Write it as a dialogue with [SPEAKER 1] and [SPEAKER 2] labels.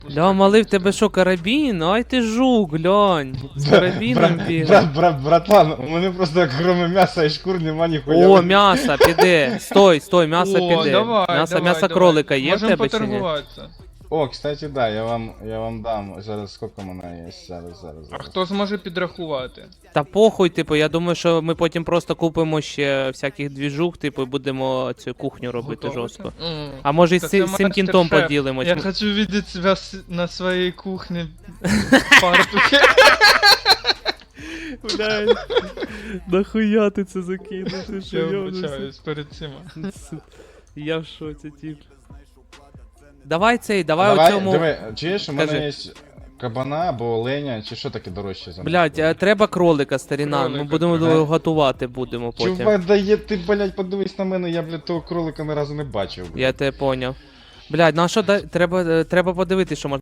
[SPEAKER 1] Ля, малий, в тебе що, карабін? Ай ти жук, глянь. З карабіном бігає.
[SPEAKER 2] Братан, у мене просто кроме м'яса і шкур нема ніхуя.
[SPEAKER 1] О, м'ясо, піде. Стой, м'ясо
[SPEAKER 3] О,
[SPEAKER 1] піде.
[SPEAKER 3] давай,
[SPEAKER 1] М'ясо
[SPEAKER 3] давай, давай.
[SPEAKER 1] кролика є в
[SPEAKER 3] Можем
[SPEAKER 1] тебе чи ні?
[SPEAKER 3] поторгуватися.
[SPEAKER 2] О, кстати, да, я вам дам. Зараз скільки мене є? Зараз.
[SPEAKER 3] А хто зможе підрахувати?
[SPEAKER 1] Та похуй, типу, я думаю, що ми потім просто купимо ще всяких двіжух, типу, і будемо цю кухню робити
[SPEAKER 3] Готовити?
[SPEAKER 1] жорстко.
[SPEAKER 3] М.
[SPEAKER 1] А може і
[SPEAKER 3] Та
[SPEAKER 1] з
[SPEAKER 3] це
[SPEAKER 1] цим кінтом
[SPEAKER 3] мастер-шеф.
[SPEAKER 1] поділимось.
[SPEAKER 3] Я хочу видеть себя на своей кухне в фартухе.
[SPEAKER 1] Блядь, нахуя ти це закинув? Ти що,
[SPEAKER 3] Я
[SPEAKER 1] йобнувся?
[SPEAKER 3] вибачаюсь перед цим.
[SPEAKER 1] Я в шоці, тип. Давай у цьому...
[SPEAKER 2] Диви, чуєш, у мене
[SPEAKER 1] Кажи.
[SPEAKER 2] є кабана або оленя, чи що таке дорожче за
[SPEAKER 1] Блядь, треба кролика, старіна, ми
[SPEAKER 3] Кролика,
[SPEAKER 1] будемо
[SPEAKER 2] ага.
[SPEAKER 1] готувати будемо потім.
[SPEAKER 2] Чувак, дає ти, блядь, подивись на мене, я, блядь, того кролика ні разу не бачив. блядь.
[SPEAKER 1] Я тебе поняв. Блядь, ну а що, треба подивитися, що можна.